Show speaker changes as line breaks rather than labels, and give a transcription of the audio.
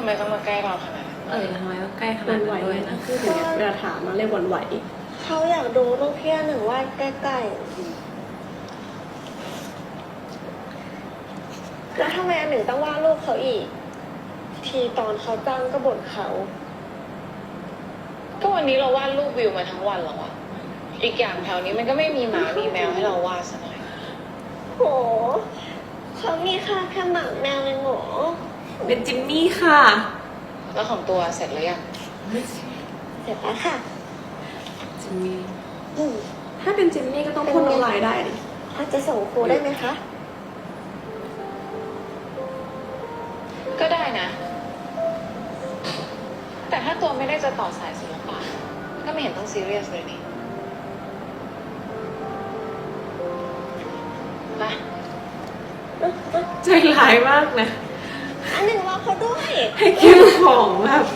ำไมต้องมาใกล้เราขนาดนั้น
ทำไมต้องใกล้ข
วั
นาด
นไหว
นั้นด้วย
นะ
นะ
คือถึงเวลาถามมาเรียกวันไหว
เขาอยากดูรูปพี่หนึ่งวาดใกล้ๆแล้วทำไมอันหนึ่งต้องวาดรูปเขาอีก ทีตอนเขาจ้างก็บ่นเขา
ก็วันนี้เราวาดรูปวิวมาทั้งวันแล้วอะอีกอย่างแถวนี้มันก็ไม่มีหมามีแมวให้เราวาดซะหน่อย
โหเขามีค่าแค่หมาแมวเองเหรอ
เป็นจิมมี่ค่ะ
แล้วของตัวเสร็จหรือยัง
เสร็จแล้วค่ะ
จิมมี่
อืม
ถ้าเป็นจิมมี่ก็ต้องพ่นน้ำลายได้ดิ
เขาจะส่งครูได้ไหมคะ
ก็ได้นะ แต่ถ้าตัวไม่ได้จะต่อสายศิลปะก็ไม่เห็นต้องซีเรียสเลยนี่มา
ใจร้ายมากนะ
อันหนึ่งรอเขาด้วย
ให้เก็บของแบบ